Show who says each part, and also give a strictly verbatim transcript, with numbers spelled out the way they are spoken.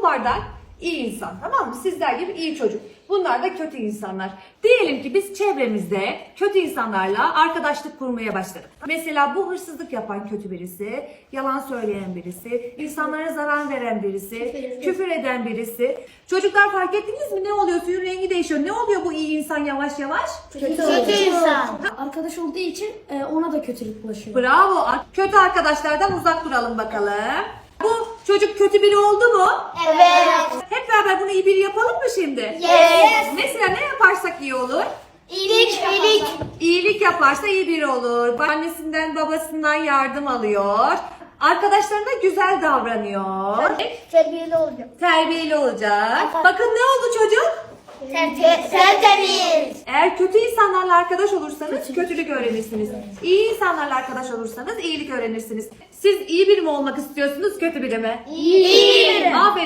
Speaker 1: bardak iyi insan, tamam mı? Sizler gibi iyi çocuk. Bunlar da kötü insanlar. Diyelim ki biz çevremizde kötü insanlarla arkadaşlık kurmaya başladık. Mesela bu hırsızlık yapan kötü birisi, yalan söyleyen birisi, insanlara zarar veren birisi, küfür eden birisi. Çocuklar fark ettiniz mi? Ne oluyor? Suyun rengi değişiyor. Ne oluyor bu iyi insan yavaş yavaş?
Speaker 2: Kötü, kötü insan. Arkadaş olduğu için e, ona da kötülük bulaşıyor.
Speaker 1: Bravo. Kötü arkadaşlardan uzak duralım bakalım. Bu çocuk kötü biri oldu mu?
Speaker 3: Evet.
Speaker 1: Hep beraber bunu iyi biri yapalım mı şimdi?
Speaker 3: Yes.
Speaker 1: Mesela ne yaparsak iyi olur?
Speaker 3: İyilik, iyilik.
Speaker 1: İyilik yaparsa iyi biri olur. Annesinden babasından yardım alıyor. Arkadaşlarına güzel davranıyor.
Speaker 3: Terbiyeli olacak.
Speaker 1: Terbiyeli olacak. Bakın ne oldu çocuk?
Speaker 3: Tertemiz.
Speaker 1: Eğer kötü insanlarla arkadaş olursanız kötülük öğrenirsiniz. İyi insanlarla arkadaş olursanız iyilik öğrenirsiniz. Siz iyi biri mi olmak istiyorsunuz, kötü biri mi?
Speaker 3: İyi.
Speaker 1: Aferin.